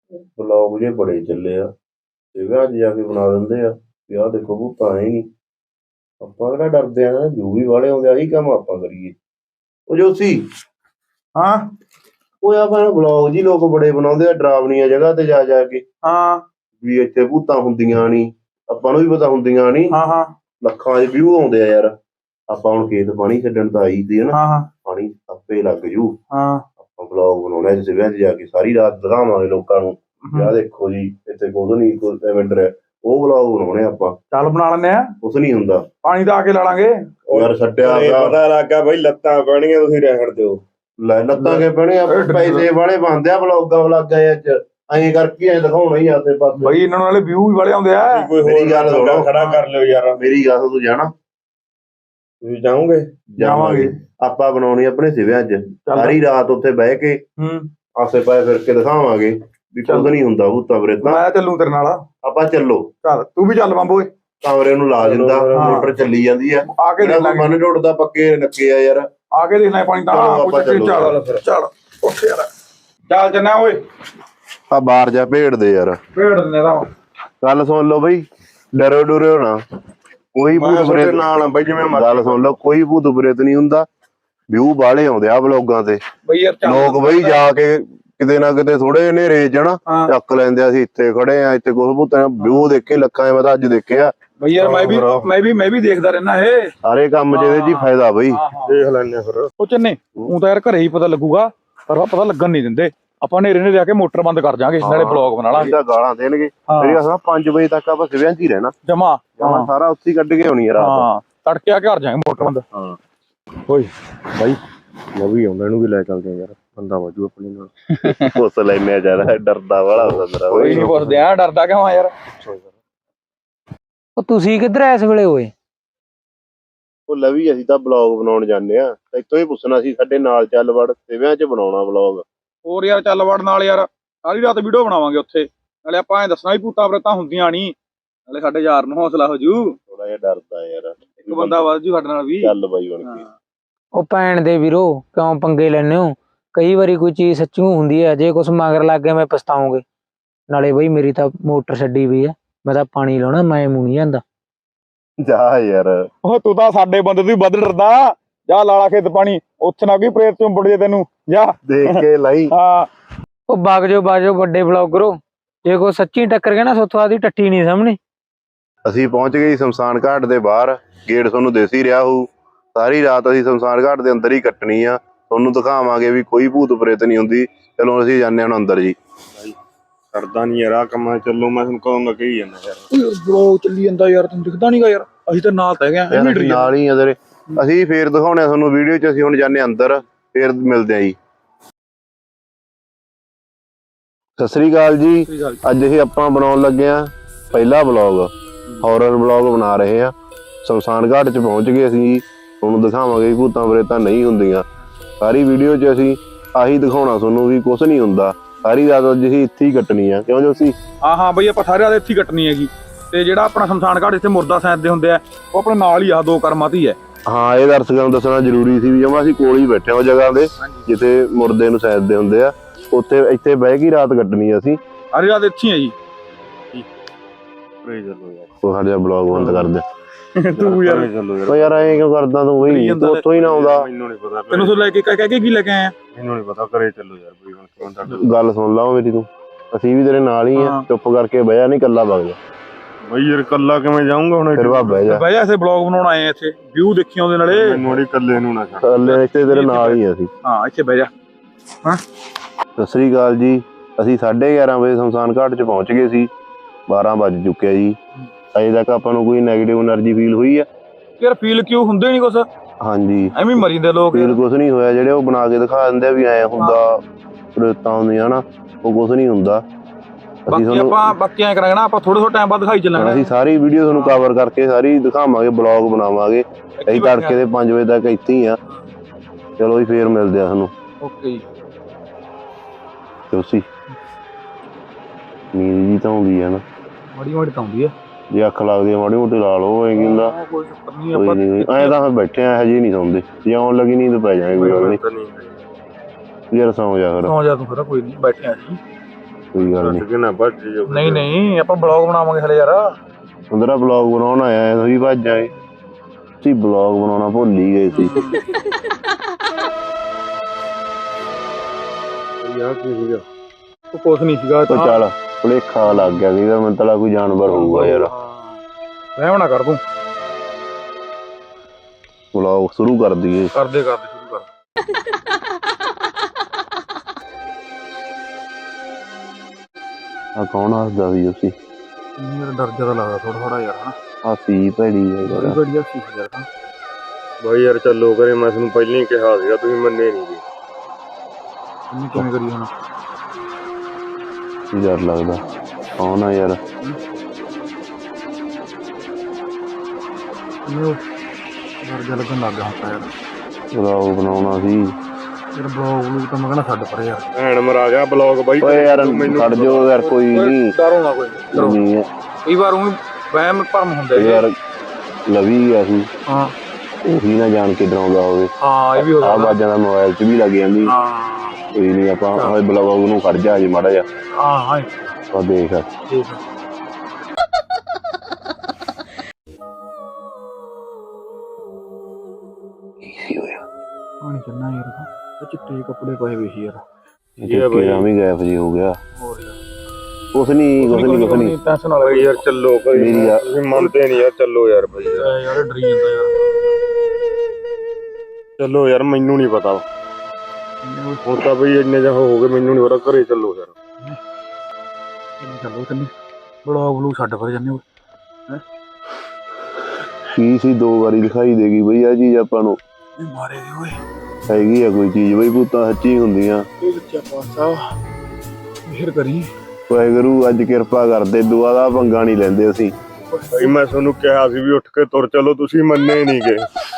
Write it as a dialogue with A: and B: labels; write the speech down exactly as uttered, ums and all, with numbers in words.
A: Blog ਜੇ ਬੜੇ ਚੱਲੇ ਆ ਤੇ ਵਿਆਹ 'ਚ ਜਾ ਕੇ ਬਣਾ ਦਿੰਦੇ ਆ ਵੀ ਆਹ ਦੇਖੋ ਭੂਤਾਂ ਹੈ ਨਹੀਂ। ਆਪਾਂ ਕਿਹੜਾ ਡਰਦੇ ਆ, ਜੂ ਵੀ ਵਾਲੇ ਆਉਂਦੇ, ਆਹੀ ਕੰਮ ਆਪਾਂ ਕਰੀਏ। ਉਹ ਜੋਸੀ
B: ਹਾਂ
A: ਉਹ ਆਪਾਂ ਬਲੌਗ ਜੀ ਲੋਕ ਬੜੇ ਬਣਾਉਂਦੇ ਆ ਡਰਾਵਣੀਆਂ ਜਗ੍ਹਾ ਤੇ ਜਾ ਜਾ ਕੇ
B: ਹਾਂ
A: ਵੀ ਇੱਥੇ ਭੂਤਾਂ ਹੁੰਦੀਆਂ ਨਹੀਂ, ਆਪਾਂ ਨੂੰ ਵੀ ਪਤਾ ਹੁੰਦੀਆਂ ਨਹੀਂ,
B: ਹਾਂ ਹਾਂ
A: ਲੱਖਾਂ 'ਚ ਵਿਊ ਆਉਂਦੇ ਆ ਯਾਰ। ਆਪਾਂ ਹੁਣ ਖੇਤ ਪਾਣੀ ਛੱਡਣ ਤਾਂ ਆਈ ਸੀ ਹਨਾ,
B: ਹਾਂ ਹਾਂ
A: ਪਾਣੀ ਆਪੇ ਲੱਗ ਜੂ।
B: ਹਾਂ
A: ਆਪਾਂ ਬਲੌਗ ਬਣਾਉਣਾ ਜਿਸ ਵਿਆਹ 'ਚ ਜਾ ਕੇ ਸਾਰੀ ਰਾਤ ਦਿਖਾਵਾਂਗੇ ਲੋਕਾਂ ਨੂੰ ਵੀ ਆਹ ਦੇਖੋ ਜੀ ਇੱਥੇ ਕੁਝ ਨਹੀਂ, ਕੋਈ ਇਵੈਂਟ ਹੈ, ਉਹ ਬਲੌਗ ਬਣਾਉਣੇ ਆਪਾਂ।
B: ਚੱਲ ਬਣਾ ਲੈਨੇ ਆ,
A: ਕੁਛ ਨਹੀਂ ਹੁੰਦਾ,
B: ਪਾਣੀ ਤਾਂ ਆ ਕੇ ਲਾ ਲਾਂਗੇ।
A: ਯਾਰ ਛੱਡਿਆ
C: ਪਤਾ ਲੱਗਾ ਬਈ ਲੱਤਾਂ ਪੈਣੀਆਂ, ਤੁਸੀਂ ਰਹਿਣ ਦਿਓ।
A: ਲੈ ਲੱਤਾਂ ਕੇ ਪੈਣੇ ਆ, ਪੈਸੇ ਵਾਲੇ ਬਣਦੇ ਆ ਬਲੌਗਾਂ ਵਲਾਗਾਂ ਚ, ਐਂ ਕਰਕੇ ਐਂ ਦਿਖਾਉਣਾ ਹੀ ਆਸੇ ਪਾਸੇ
B: ਬਈ ਇਹਨਾਂ ਨਾਲੇ ਵਿਊ ਵੀ ਵਾਲੇ ਆਉਂਦੇ ਆ।
C: ਕੋਈ
A: ਮੇਰੀ ਗੱਲ ਸੁਣੋ,
C: ਖੜਾ ਕਰ ਲਿਓ ਯਾਰ।
A: ਮੇਰੀ ਗੱਲ ਤੂੰ ਜਾਣਾ,
C: ਤੁਸੀਂ ਜਾਓਗੇ?
A: ਜਾਵਾਂਗੇ ਆਪਾਂ ਬਣਾਉਣੀ ਆਪਣੇ ਸਿਵਿਆਂ ਚ, ਸਾਰੀ ਰਾਤ ਉੱਥੇ ਬਹਿ ਕੇ
B: ਹੂੰ
A: ਆਸੇ ਪਾਸੇ ਫਿਰ ਕੇ ਦਿਖਾਵਾਂਗੇ ਵੀ ਕੁਝ ਨਹੀਂ ਹੁੰਦਾ ਭੂਤਾਂ ਬਰੇਤਾਂ।
B: ਮੈਂ ਚੱਲੂ ਤੇਰੇ ਨਾਲ।
A: ਆਪਾਂ ਚੱਲੋ,
B: ਚੱਲ ਤੂੰ ਵੀ ਚੱਲ ਬੰਬੋਏ।
A: ਕਮਰੇ ਨੂੰ ਲਾ ਦਿੰਦਾ, ਮੋਟਰ ਚੱਲੀ ਜਾਂਦੀ ਆ,
B: ਆ ਕੇ ਦੇਖ ਲਾਂਗੇ।
A: ਮਨ ਟੁੱਟਦਾ ਪੱਕੇ ਨੱਕੇ ਆ ਯਾਰ,
B: ਆ ਕੇ ਦੇਖਣਾ ਪਾਣੀ ਤਾਂ।
A: ਆਪਾਂ ਚੱਲ
B: ਚੱਲ ਉੱਠ ਯਾਰ, ਚੱਲ ਜੰਨਾ ਓਏ।
A: ਆ ਬਾਹਰ ਜਾ ਭੇੜਦੇ ਯਾਰ,
B: ਭੇੜ ਦਿੰਦੇ ਤਾਂ।
A: ਗੱਲ ਸੁਣ ਲਓ ਬਈ, ਡਰੋ ਡੁਰਿਓ ਨਾ, ਕੋਈ ਭੂਤ ਪ੍ਰੇਤ
C: ਨਾਲ ਬਈ ਜਿਵੇਂ
A: ਗੱਲ ਸੁਣ ਲਓ, ਕੋਈ ਭੂਤ ਪ੍ਰੇਤ ਨਹੀਂ ਹੁੰਦਾ। ਵਿਊ ਬਾਹਲੇ ਆਉਂਦੇ ਆ ਬਲੌਗਾਂ ਤੇ,
B: ਬਈ ਯਾਰ
A: ਲੋਕ ਬਈ ਜਾ ਕੇ ਕਿਤੇ ਨਾ ਕਿਤੇ ਥੋੜੇ ਹਨੇਰੇ ਚ ਨਾ ਚੱਕ ਲੈਂਦੇ ਆ, ਅਸੀਂ ਇੱਥੇ ਖੜੇ ਆ, ਇੱਥੇ ਕੁਝ ਭੂਤਾਂ ਵਿਊ ਦੇਖੇ ਲੱਖਾਂ, ਮੈਂ ਤਾਂ ਅੱਜ ਦੇਖਿਆ
B: ਬਈ ਯਾਰ। ਮੈਂ ਵੀ ਮੈਂ ਵੀ ਮੈਂ ਵੀ ਦੇਖਦਾ ਰਹਿਣਾ ਇਹ
A: ਸਾਰੇ ਕੰਮ ਚ, ਇਹਦੇ ਚ ਹੀ ਫਾਇਦਾ ਬਈ।
C: ਦੇਖ ਲੈਣੇ ਫਿਰ।
B: ਉਹ ਚੰਨੇ ਉਹ ਤਾਂ ਯਾਰ ਘਰੇ ਹੀ ਪਤਾ ਲੱਗੂਗਾ, ਪਰ ਪਤਾ ਲੱਗਣ ਨਹੀਂ ਦਿੰਦੇ ਆਪਾਂ। ਨੇਰੇ ਨੇ ਜਾ ਕੇ ਮੋਟਰ ਬੰਦ ਕਰ ਜਾਾਂਗੇ, ਨਾਲੇ ਬਲੌਗ ਬਣਾ ਲਾਂਗੇ।
A: ਗਾਲਾਂ ਦੇਣਗੇ ਮੇਰੀ ਅਸਾਂ ਪੰਜ ਵਜੇ ਤੱਕ ਆਪਾਂ ਸਿਵਿਆਂ ਚ ਹੀ ਰਹਿਣਾ
B: ਜਮਾ,
A: ਜਮਾ ਸਾਰਾ ਉੱਥੇ ਕੱਢ ਕੇ ਆਉਣੀ ਯਾਰ।
B: ਹਾਂ ਤੜਕੇ ਆ ਕੇ ਘਰ ਜਾਾਂਗੇ ਮੋਟਰ ਬੰਦ।
A: ਹਾਂ
C: ਓਏ ਬਾਈ ਮੈਂ ਵੀ ਆਉਂਦਾ, ਇਹਨੂੰ ਵੀ ਲੈ ਚੱਲਦੇ ਯਾਰ, ਬੰਦਾ ਵਾਜੂ ਆਪਣੇ ਨਾਲ।
A: ਪੁੱਛ ਲੈਨੇ ਆ ਯਾਰ, ਡਰਦਾ ਵਾਲਾ ਹੁੰਦਾ ਮੇਰਾ।
B: ਕੋਈ ਨਹੀਂ ਪੁੱਛਦੇ ਆ, ਡਰਦਾ ਕਿਉਂ ਆ ਯਾਰ।
D: ਉਹ ਤੁਸੀਂ ਕਿੱਧਰ ਐ ਇਸ ਵੇਲੇ ਓਏ?
A: ਉਹ ਲਵੀ ਅਸੀਂ ਤਾਂ ਬਲੌਗ ਬਣਾਉਣ ਜਾਂਦੇ ਆ, ਇੱਥੋਂ ਹੀ ਪੁੱਛਣਾ ਸੀ ਸਾਡੇ ਨਾਲ ਚੱਲ ਵੜ, ਸਿਵਿਆਂ ਚ ਬਣਾਉਣਾ ਬਲੌਗ।
B: ਹੋਰ ਯਾਰ ਚੱਲ ਵੜ ਨਾਲ ਯਾਰ, ਸਾਰੀ ਰਾਤ ਵੀਡੀਓ ਬਣਾਵਾਂਗੇ ਉੱਥੇ, ਨਾਲੇ ਆਪਾਂ ਐਂ ਦੱਸਣਾ ਵੀ ਭੂਤਾਂ ਪ੍ਰੇਤਾਂ ਹੁੰਦੀਆਂ ਨਹੀਂ, ਨਾਲੇ ਸਾਡੇ ਯਾਰ ਨੂੰ ਹੌਸਲਾ ਹੋ ਜੂ।
A: ਥੋੜਾ ਜਿਹਾ ਡਰਦਾ ਯਾਰ,
B: ਇੱਕ ਬੰਦਾ ਵੱਧ ਜੂ ਸਾਡੇ ਨਾਲ ਵੀ।
A: ਚੱਲ ਬਾਈ ਬਣ ਕੇ।
D: ਉਹ ਭੈਣ ਦੇ ਵੀਰੋ ਕਿਉਂ ਪੰਗੇ ਲੈਨੇ ਹੋ? ਕਈ ਵਾਰੀ ਕੋਈ ਚੀਜ਼ ਸੱਚੂ ਹੁੰਦੀ ਹੈ, ਜੇ ਕੁਛ ਮਗਰ ਲੱਗ ਗਿਆ ਮੈਂ ਪਛਤਾਉਂਗੇ। ਨਾਲੇ ਬਈ ਮੇਰੀ ਤਾਂ ਮੋਟਰ ਛੱਡੀ ਪਈ ਆ, ਮੈਂ ਤਾਂ ਪਾਣੀ ਲਾਉਣਾ, ਮੈਂ ਮੂੰਹ ਨਹੀਂ ਜਾਂਦਾ।
A: ਜਾ ਯਾਰ,
B: ਉਹ ਤੂੰ ਤਾਂ ਸਾਡੇ ਬੰਦੇ ਤੋਂ ਵੀ ਵੱਧ ਡਰਦਾ। ਜਾ ਲਾਲਾ ਖੇਤ ਪਾਣੀ, ਉੱਥੇ ਨਾ ਕੋਈ ਪ੍ਰੇਤ ਚੋਂ ਬੁੜ ਜੇ ਤੈਨੂੰ। ਜਾ
A: ਦੇਖ ਕੇ ਲਾਈ।
B: ਹਾਂ
D: ਉਹ ਵਗ ਜਾਓ ਵਗ ਜਾਓ ਵੱਡੇ ਬਲੌਗਰੋ, ਜੇ ਕੋਈ ਸੱਚੀ ਟੱਕਰ ਗਿਆ ਨਾ ਸੋਥੋਂ ਆਦੀ ਟੱਟੀ ਨਹੀਂ ਸਾਹਮਣੇ।
A: ਅਸੀਂ ਪਹੁੰਚ ਗਏ ਸ਼ਮਸ਼ਾਨ ਘਾਟ ਦੇ ਬਾਹਰ, ਗੇਟ ਤੁਹਾਨੂੰ ਦਿਸ ਹੀ ਰਿਹਾ ਹੋਊ। ਸਾਰੀ ਰਾਤ ਅਸੀਂ ਸ਼ਮਸ਼ਾਨ ਘਾਟ ਦੇ ਅੰਦਰ ਹੀ ਕੱਟਣੀ ਆ, ਤੁਹਾਨੂੰ ਦਿਖਾਵਾਂਗੇ ਵੀ ਕੋਈ ਭੂਤ ਪ੍ਰੇਤ ਨਹੀਂ ਹੁੰਦੀ। ਚਲੋ ਅਸੀਂ ਜਾਂਦੇ ਹਾਂ ਅੰਦਰ ਜੀ।
C: ਕਰਦਾ ਨਹੀਂ ਯਾਰ ਆ ਕੰਮ, ਚੱਲੋ ਮੈਂ ਤੁਹਾਨੂੰ ਕਹੂੰਗਾ ਕਹੀ ਜਾਂਦਾ ਯਾਰ।
B: ਬਲੌਗ ਚੱਲੀ ਜਾਂਦਾ ਯਾਰ, ਤੈਨੂੰ ਦਿਖਦਾ ਨਹੀਂਗਾ ਯਾਰ, ਅਸੀਂ ਤਾਂ ਨਾਲ ਤਾਂ ਹੈਗੇ
A: ਨਾਲ ਹੀ ਆ ਤੇਰੇ। ਅਸੀਂ ਫੇਰ ਦਿਖਾਉਣੇ ਤੁਹਾਨੂੰ ਵੀਡੀਓ ਚ, ਅਸੀਂ ਹੁਣ ਜਾਂਦੇ ਅੰਦਰ, ਫੇਰ ਮਿਲਦੇ ਆ ਜੀ। ਸਤਿ ਸ੍ਰੀ ਅਕਾਲ ਜੀ। ਅੱਜ ਅਸੀਂ ਆਪਾਂ ਬਣਾਉਣ ਲੱਗੇ ਆ ਪਹਿਲਾ ਬਲੌਗ, ਹੌਰਰ ਬਲੌਗ ਬਣਾ ਰਹੇ ਆ। ਸ਼ਮਸ਼ਾਨ ਘਾਟ ਚ ਪਹੁੰਚ ਗਏ ਅਸੀਂ, ਤੁਹਾਨੂੰ ਦਿਖਾਵਾਂਗੇ ਭੂਤਾਂ ਪ੍ਰੇਤਾਂ ਨਹੀਂ ਹੁੰਦੀਆਂ। ਸਾਰੀ ਵੀਡੀਓ ਚ ਅਸੀਂ ਆਹੀ ਦਿਖਾਉਣਾ ਤੁਹਾਨੂੰ ਵੀ ਕੁਛ ਨਹੀਂ ਹੁੰਦਾ। ਸਾਰੀ ਰਾਤ ਅੱਜ ਅਸੀਂ ਇੱਥੇ ਹੀ ਕੱਟਣੀ ਆ, ਕਿਉਂ ਜੋ ਅਸੀਂ।
B: ਹਾਂ ਹਾਂ ਬਈ ਆਪਾਂ ਸਾਰੇ ਰਾਤ ਇੱਥੇ ਹੀ ਕੱਟਣੀ ਹੈਗੀ। ਤੇ ਜਿਹੜਾ ਆਪਣਾ ਸ਼ਮਸ਼ਾਨ ਘਾਟ ਇੱਥੇ ਮੁਰਦਾ ਸੈਂਦੇ ਹੁੰਦੇ ਆ, ਉਹ ਆਪਣੇ ਨਾਲ ਹੀ ਆ, ਦੋ ਕਰਮਾਂ ਤੇ ਹੀ ਹੈ।
A: ਹਾਂ ਇਹ ਦਰਸ਼ਕਾਂ ਨੂੰ ਦੱਸਣਾ ਜ਼ਰੂਰੀ ਸੀ ਵੀ ਜਮਾ ਅਸੀਂ ਕੋਲ ਹੀ ਬੈਠੇ ਉਹ ਜਗ੍ਹਾ ਦੇ ਜਿੱਥੇ ਮੁਰਦੇ ਨੂੰ ਸੈਦਦੇ ਹੁੰਦੇ ਆ, ਉੱਥੇ ਇੱਥੇ ਬਹਿ ਕੇ ਰਾਤ ਕੱਟਣੀ ਅਸੀਂ।
B: ਸਾਰੀ ਰਾਤ ਇੱਥੇ ਹੀ ਆ ਜੀ।
A: ਉਹ ਸਾਡਾ ਬਲੌਗ ਬੰਦ ਕਰ ਦੇ
B: ਤੂੰ ਯਾਰ
A: ਉਹ ਯਾਰ ਐਂ ਕਿਉਂ ਕਰਦਾ ਤੂੰ? ਬਈ ਤੂੰ ਉੱਥੋਂ ਹੀ ਨਾ ਆਉਂਦਾ।
C: ਮੈਨੂੰ ਨਹੀਂ ਪਤਾ,
B: ਤੈਨੂੰ ਤੋਂ ਲੈ ਕੇ ਕਹਿ ਕੇ ਕੀ ਲੈ ਕੇ ਆਇਆ?
C: ਮੈਨੂੰ ਨਹੀਂ ਪਤਾ, ਘਰੇ ਚੱਲੋ ਯਾਰ ਬਈ ਹੁਣ।
A: ਗੱਲ ਸੁਣ ਲਾ ਮੇਰੀ, ਤੂੰ ਅਸੀਂ ਵੀ ਤੇਰੇ ਨਾਲ ਹੀ ਆ, ਚੁੱਪ ਕਰਕੇ ਬਹਿ ਜਾ, ਨਹੀਂ ਕੱਲਾ ਵਗ ਜਾ।
C: ਬਈ ਯਾਰ ਕੱਲਾ ਕਿਵੇਂ ਜਾਊਂਗਾ ਹੁਣ?
A: ਫਿਰ ਵਾ ਬਹਿ ਜਾ,
B: ਬਹਿ ਜਾ, ਇੱਥੇ ਬਲੌਗ ਬਣਾਉਣ ਆਏ ਆ, ਇੱਥੇ ਵਿਊ ਦੇਖੀ ਆਉਂਦੇ ਨਾਲੇ।
C: ਮੈਨੂੰ ਨਹੀਂ ਕੱਲੇ ਨੂੰ ਨਾ ਛੱਡ।
A: ਕੱਲੇ ਇੱਥੇ ਤੇਰੇ ਨਾਲ ਹੀ ਅਸੀਂ।
B: ਹਾਂ ਇੱਥੇ ਬਹਿ ਜਾ। ਹਾਂ
A: ਸਤਿ ਸ੍ਰੀ ਅਕਾਲ ਜੀ। ਅਸੀਂ ਸਾਢੇ ਗਿਆਰਾਂ ਵਜੇ ਸ਼ਮਸ਼ਾਨ ਘਾਟ ਚ ਪਹੁੰਚ ਗਏ ਸੀ, ਬਾਰਾਂ ਵੱਜ ਚੁੱਕਿਆ ਜੀ। ਅਜੇ ਤੱਕ ਆਪਾਂ ਨੂੰ ਕੋਈ ਨੈਗੇਟਿਵ એનર્ਜੀ ਫੀਲ ਹੋਈ ਆ?
B: ਯਾਰ ਫੀਲ ਕਿਉਂ ਹੁੰਦੇ ਨਹੀਂ ਕੁਛ,
A: ਹਾਂਜੀ
B: ਐਵੇਂ ਮਰੀ ਜਾਂਦੇ ਲੋਕ।
A: ਫੀਲ ਕੁਛ ਨਹੀਂ ਹੋਇਆ, ਜਿਹੜੇ ਉਹ ਬਣਾ ਕੇ ਦਿਖਾ ਦਿੰਦੇ ਆ ਵੀ ਐ ਹੁੰਦਾ ਪ੍ਰੇਤਾਂ ਹੁੰਦੀਆਂ ਨਾ, ਉਹ ਕੁਛ ਨਹੀਂ ਹੁੰਦਾ।
B: ਬਾਕੀ ਆਪਾਂ ਬਾਕੀ ਐ ਕਰਾਂਗੇ ਨਾ, ਆਪਾਂ ਥੋੜੇ ਥੋੜੇ ਟਾਈਮ ਬਾਅਦ ਦਿਖਾਈ ਚੱਲਾਂਗੇ।
A: ਅਸੀਂ ਸਾਰੀ ਵੀਡੀਓ ਤੁਹਾਨੂੰ ਕਵਰ ਕਰਕੇ ਸਾਰੀ ਦਿਖਾਵਾਂਗੇ, ਬਲੌਗ ਬਣਾਵਾਂਗੇ। ਅਸੀਂ ਤੜਕੇ ਦੇ ਪੰਜ ਵਜੇ ਤੱਕ ਇੱਥੇ ਹੀ ਆ। ਚਲੋ ਜੀ ਫੇਰ ਮਿਲਦੇ ਆ ਤੁਹਾਨੂੰ।
B: ਓਕੇ ਜੀ।
A: ਤੁਸੀਂ ਨੀਂਦ ਜੀ ਤਾਂ ਆਉਂਦੀ ਆ ਨਾ,
B: ਮਾੜੀ ਮਾੜੀ ਤਾਂ ਆਉਂਦੀ ਆ,
A: ਜੇ ਅੱਖ ਲੱਗਦੀ ਆ ਮਾੜੀ ਮੋਟੀ ਲਾ ਲਓ। ਐਂ ਕੀ ਹੁੰਦਾ,
B: ਕੋਈ ਚੱਕਰ ਨਹੀਂ।
A: ਕੋਈ ਨਹੀਂ ਐਂ ਤਾਂ ਫਿਰ ਬੈਠੇ ਆ, ਹਜੇ ਨਹੀਂ ਸੌਂਦੇ। ਜੇ ਆਉਣ ਲੱਗੀ ਨੀਂਦ ਪੈ ਜਾਣੀ ਕੋਈ ਗੱਲ ਨਹੀਂ। ਯਾਰ ਸੌਂ ਜਾ ਫਿਰ।
B: ਸੌਂ ਜਾ ਤੂੰ ਫਿਰ, ਕੋਈ ਨਹੀਂ ਬੈਠੇ ਆ ਜੀ।
A: ਕੋਈ ਗੱਲ ਨਹੀਂ।
C: ਛੱਡ ਕੇ ਨਾ ਭੱਜ ਜਾਓ।
B: ਨਹੀਂ ਨਹੀਂ ਆਪਾਂ ਬਲੌਗ ਬਣਾਵਾਂਗੇ ਹਲੇ ਯਾਰ।
A: ਅੰਦਰਾ ਬਲੌਗ ਬਣਾਉਣ ਆਇਆ ਤੁਸੀਂ ਭੱਜ ਆਏ। ਤੁਸੀਂ ਬਲੌਗ ਬਣਾਉਣਾ ਭੁੱਲ ਹੀ ਗਏ ਸੀ।
C: ਯਾਰ ਕੀ ਸੀਗਾ?
B: ਉਹ ਕੁਛ ਨਹੀਂ ਸੀਗਾ
A: ਉਹ ਚੱਲ ਭੁਲੇਖਾ ਲੱਗ ਗਿਆ ਕਿ ਮੈਨੂੰ ਤਾਂ ਕੋਈ ਜਾਨਵਰ ਹੋਊਗਾ ਯਾਰ।
B: ਵਹਿਮ ਨਾ ਕਰ ਤੂੰ।
A: ਬਲੌਗ ਸ਼ੁਰੂ ਕਰ ਦਈਏ।
B: ਕਰਦੇ ਕਰਦੇ ਸ਼ੁਰੂ ਕਰ।
A: ਆ ਕੌਣ ਹੱਸਦਾ ਸੀ ਤੁਸੀਂ?
B: ਮੇਰਾ ਡਰ ਜਿਆਦਾ ਲੱਗਦਾ ਥੋੜਾ ਥੋੜਾ ਯਾਰ ਹਨਾ।
A: ਹਾਸੀ ਭੈੜੀ ਹੈ
B: ਬੜੀ
A: ਯਾਰ।
B: ਬੜੀ ਸੀ ਯਾਰ ਹਨਾ।
C: ਬਾਈ ਯਾਰ ਚੱਲੋ ਕਰੇ, ਮੈਂ ਤੁਹਾਨੂੰ ਪਹਿਲਾਂ ਹੀ ਕਿਹਾ ਸੀਗਾ, ਤੁਸੀਂ ਮੰਨੇ ਨਹੀਂ ਜੀ।
B: ਇਹਨੂੰ ਕਿਵੇਂ ਕਰੀ ਹੁਣ?
A: ਕੀ ਡਰ ਲੱਗਦਾ? ਕੌਣ ਆ ਯਾਰ?
B: ਇਹਨੂੰ ਡਰ ਜਿਹਾ ਲੱਗਣ ਲੱਗ ਗਿਆ ਹੁਣ ਤਾਂ ਯਾਰ।
A: ਬਲੌਗ ਬਣਾਉਣਾ ਸੀ।
B: ਯਾਰ ਬਲੌਗ ਨੂੰ ਤਾਂ ਮੈਂ ਕਹਿੰਦਾ ਛੱਡ ਪਰੇ ਯਾਰ।
C: ਭੈਣ ਮਰਾ ਗਿਆ ਬਲੌਗ ਬਾਈ।
A: ਓਏ ਯਾਰ ਛੱਡ ਜੋ ਯਾਰ, ਕੋਈ ਨਹੀਂ।
B: ਡਰੋ ਨਾ ਕੋਈ ਡਰੋ।
A: ਨਹੀਂ ਹੈ
B: ਕਈ ਵਾਰ ਉਹ ਵਹਿਮ ਭਰਮ ਹੁੰਦੇ
A: ਯਾਰ। ਲਵੀ ਗਿਆ ਸੀ,
B: ਹਾਂ
A: ਉਹੀ ਨਾ ਜਾਣ ਕੇ ਡਰਾਉਂਦਾ ਹੋਵੇ।
B: ਹਾਂ ਇਹ ਵੀ ਹੋ
A: ਆ
B: ਸਕਦਾ।
A: ਬਾਜਾਂ ਦਾ ਮੋਬਾਈਲ 'ਚ ਵੀ ਲੱਗ ਜਾਂਦੀ।
B: ਹਾਂ
A: ਕੋਈ ਨਹੀਂ, ਆਪਾਂ ਹੋਏ ਬਲੌਗ ਨੂੰ ਖੜ ਜਾ ਜੀ ਮਾੜਾ ਜਿਹਾ।
B: ਹਾਂ ਹਾਂ
A: ਆ ਦੇਖ
B: ਠੀਕ ਹੈ।
A: ਕੀ ਹੋਇਆ?
B: ਪਾਣੀ ਚੰਨਾ ਯਾਰ ਤਾਂ ਇਹ ਚਿੱਟੇ ਕੱਪੜੇ ਪਾਏ ਹੋਏ ਸੀ ਯਾਰ।
A: ਇਹ ਵੀ ਗਾਇਬ ਜੀ ਹੋ ਗਿਆ।
B: ਹੋਰ ਯਾਰ
A: ਕੁਛ ਨਹੀਂ ਕੁਛ ਨਹੀਂ ਕੁਛ ਨਹੀਂ।
B: ਟੈਨਸ਼ਨ ਨਾ
C: ਬਾਈ ਯਾਰ ਚੱਲੋ ਕਰੇ,
A: ਮੇਰੀ ਯਾਰ-
C: ਤੁਸੀਂ ਮੰਨਦੇ ਨਹੀਂ ਯਾਰ। ਚੱਲੋ ਯਾਰ ਬਾਈ ਯਾਰ,
B: ਲੈ ਯਾਰ ਡਰੀ ਜਾਂਦਾ ਯਾਰ।
C: ਚੱਲੋ ਯਾਰ। ਮੈਨੂੰ ਨਹੀਂ ਪਤਾ ਹੁਣ ਤਾਂ ਬਈ ਇੰਨੇ ਜਿਹਾ ਹੋ ਗਏ, ਮੈਨੂੰ ਨਹੀਂ ਪਤਾ। ਘਰੇ ਚੱਲੋ ਯਾਰ।
B: ਚੱਲੋ ਤੈਨੂੰ ਬਲੌਗ ਬਲੂ ਛੱਡ ਪਰ ਜਾਂਦੇ ਹੋ।
A: ਕੀ ਸੀ ਦੋ ਵਾਰੀ ਦਿਖਾਈ ਦੇਗੀ ਬਈ ਆ ਚੀਜ਼ ਆਪਾਂ ਨੂੰ।
B: ਇਹ ਮਾਰੇ ਗਏ ਓਏ।
A: ਹੈਗੀ ਆ ਕੋਈ ਚੀਜ਼ ਬਈ, ਭੂਤਾਂ ਸੱਚੀ ਹੁੰਦੀਆਂ।
B: ਇਹ ਬੱਚਾ ਪਾਸਾ ਮਿਹਰ ਕਰੀ।
A: ਵਾਹਿਗੁਰੂ ਅੱਜ ਕਿਰਪਾ ਕਰਦੇ, ਦੁਆ ਦਾ ਪੰਗਾ ਨਹੀਂ ਲੈਂਦੇ ਅਸੀਂ।
C: ਬਾਈ ਮੈਂ ਤੁਹਾਨੂੰ ਕਿਹਾ ਸੀ ਵੀ ਉੱਠ ਕੇ ਤੁਰ ਚਲੋ, ਤੁਸੀਂ ਮੰਨੇ ਨਹੀਂ ਗਏ।